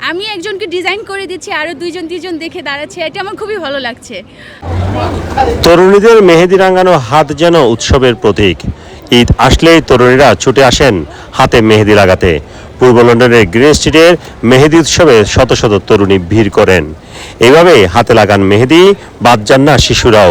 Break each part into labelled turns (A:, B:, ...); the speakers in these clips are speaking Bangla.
A: আমি একজনকে ডিজাইন করে দিচ্ছি, আরও দুইজন দেখে দাঁড়াচ্ছে, এটা আমার খুবই ভালো লাগছে।
B: তরুণীদের মেহেদি রাঙানো হাত যেন উৎসবের প্রতীক। ঈদ আসলেই তরুণীরা ছুটে আসেন হাতে মেহেদি লাগাতে। পূর্ব লন্ডনের গ্রিন স্ট্রিটের মেহেদি উৎসবে শত শত তরুণী ভিড় করেন। এভাবে হাতে লাগান মেহেদি, বাদ যান না শিশুরাও।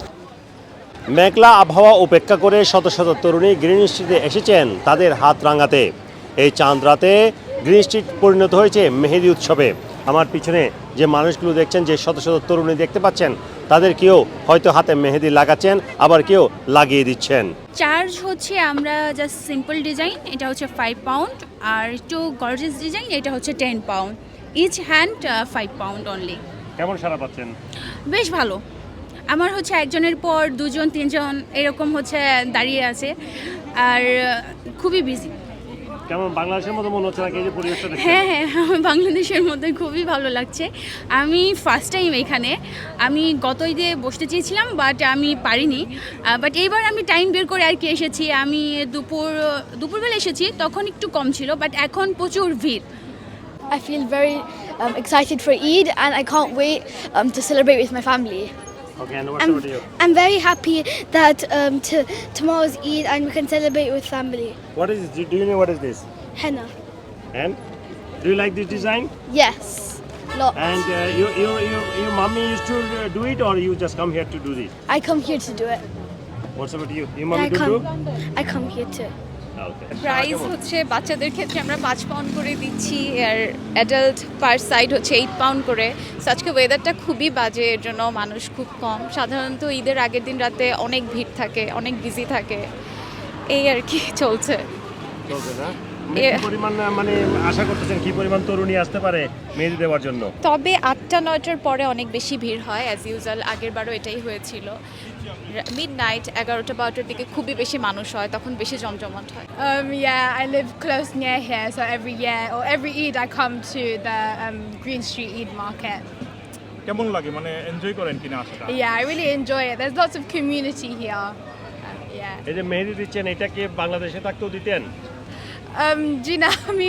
B: মেঘলা আবহাওয়া উপেক্ষা করে শত শত তরুণী গ্রিন স্ট্রিটে এসেছেন তাদের হাত রাঙাতে। এই চাঁদ রাতে গ্রিন স্ট্রিট পরিণত হয়েছে মেহেদি উৎসবে। আমার পিছনে যে মানুষগুলো দেখছেন, যে শত শত তরুণী দেখতে পাচ্ছেন, তাদের কেউ হয়তো হাতে মেহেদি লাগাচ্ছেন, আবার কেউ লাগিয়ে দিচ্ছেন।
A: চার্জ হচ্ছে আমরা জাস্ট সিম্পল ডিজাইন, এটা হচ্ছে 5 পাউন্ড, আর একটু গর্জিয়াস ডিজাইন এটা হচ্ছে 10 pound. Each hand 5 pound only.
B: কেমন সাড়া পাচ্ছেন?
A: বেশ ভালো। আমার হচ্ছে একজনের পর দুজন তিনজন এরকম হচ্ছে দাঁড়িয়ে আছে, আর খুবই বিজি।
B: কেমন বাংলাদেশের মতো মনে হচ্ছে নাকি এই যে পরিবেশটা দেখছেন?
A: হ্যাঁ, আমার বাংলাদেশের মধ্যে খুবই ভালো লাগছে। আমি ফার্স্ট টাইম এখানে, আমি গত ঈদে বসতে চেয়েছিলাম বাট আমি পারিনি, বাট এইবার আমি টাইম বের করে আর কি এসেছি। আমি দুপুরবেলা এসেছি, তখন একটু কম ছিল, বাট এখন প্রচুর ভিড়।
C: I feel very excited for Eid and I can't wait to celebrate with my family.
B: Okay, and what's about you?
C: I'm very happy that tomorrow's Eid and we can celebrate with family.
B: What is this? Do you know what is this?
C: Henna.
B: And do you like this design?
C: Yes. Lots.
B: And your mommy used to do it, or you just come here to do this?
C: I come here to do it.
B: What's about you? Your mommy do?
C: I come here too.
B: Okay.
D: Price হচ্ছে বাচ্চাদের ক্ষেত্রে আমরা 5 পাউন্ড করে দিচ্ছি, আর অ্যাডাল্ট পার সাইড হচ্ছে 8 পাউন্ড করে। সো আজকে ওয়েদারটা খুবই বাজে, এর জন্য মানুষ খুব কম। সাধারণত ঈদের আগের দিন রাতে অনেক ভিড় থাকে, অনেক বিজি থাকে, এই আর কি চলছে।
B: চলছে না? কি পরিমাণ মানে আশা করতেছেন কি পরিমাণ তরুণী আসতে পারে মেহেদি দেওয়ার জন্য?
D: তবে 8টা-9টার পরে অনেক বেশি ভিড় হয়, অ্যাজ ইউজুয়াল। আগের বারও এটাই হয়েছিল। মিডনাইট 11টা-12টার দিকে খুবই বেশি মানুষ হয়, তখন বেশি জমজমাট হয়।
E: Yeah, I live close near here, so every year or every Eid I come to the Green Street Eid market.
F: কেমন লাগে, মানে এনজয় করেন কিনা আসাটা?
E: Yeah, I really enjoy it. There's lots of community here. Yeah.
B: এই যে মেহেদি দিচ্ছেন, এটা কি বাংলাদেশে থাকতেও দিতেন?
E: Gina,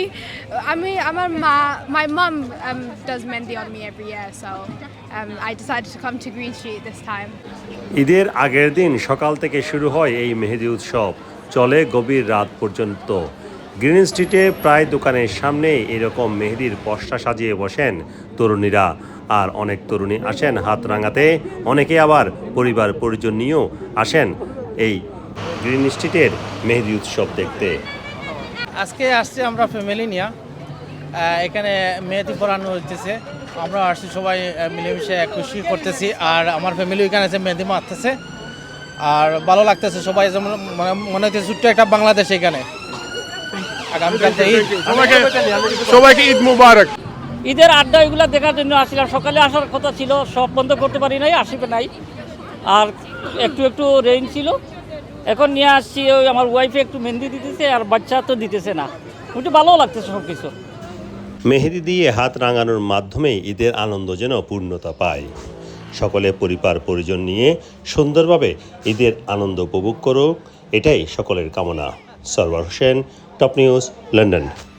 E: my mum does mehndi on me every year, so I decided to come to Green Street this time.
B: ঈদের আগের দিন সকাল থেকে শুরু হয় এই মেহেদি উৎসব, চলে গভীর রাত পর্যন্ত। গ্রিন স্ট্রিটে প্রায় দোকানের সামনে এরকম মেহেদির পসরা সাজিয়ে বসেন তরুণীরা। আর অনেক তরুণী আসেন হাত রাঙাতে, অনেকে আবার পরিবার পরিজন নিয়েও আসেন এই গ্রিন স্ট্রিটের মেহেদি উৎসব দেখতে।
G: আজকে আসছি আমরা ফ্যামিলি নিয়ে, এখানে মেহেদি পরানো হইতেছে। আমরা আসছি সবাই মিলেমিশে খুশি করতেছি, আর আমার ফ্যামিলি এখানে আছে মেহেদি মারতেছে, আর ভালো লাগতেছে। সবাই যেমন মনে হচ্ছে ছোট্ট একটা বাংলাদেশ এখানে।
F: সবাইকে ঈদ মুবারক।
H: ঈদের আড্ডা এগুলো দেখার জন্য আসছিলাম। সকালে আসার কথা ছিল, সব বন্ধ করতে পারি নাই, আসবে নাই। আর একটু রেইন ছিল, এখন নিয়ে আসছি। ওই আমার ওয়াইফে একটু মেহেন্দি দিতেছে, আর বাচ্চা তো দিতেছে না। একটু ভালোও লাগতেছে সব কিছু।
B: মেহেদি দিয়ে হাত রাঙানোর মাধ্যমে ঈদের আনন্দ যেন পূর্ণতা পায়। সকলে পরিবার পরিজন নিয়ে সুন্দরভাবে ঈদের আনন্দ উপভোগ করুক, এটাই সকলের কামনা। Sarwar Hossain, top news, London.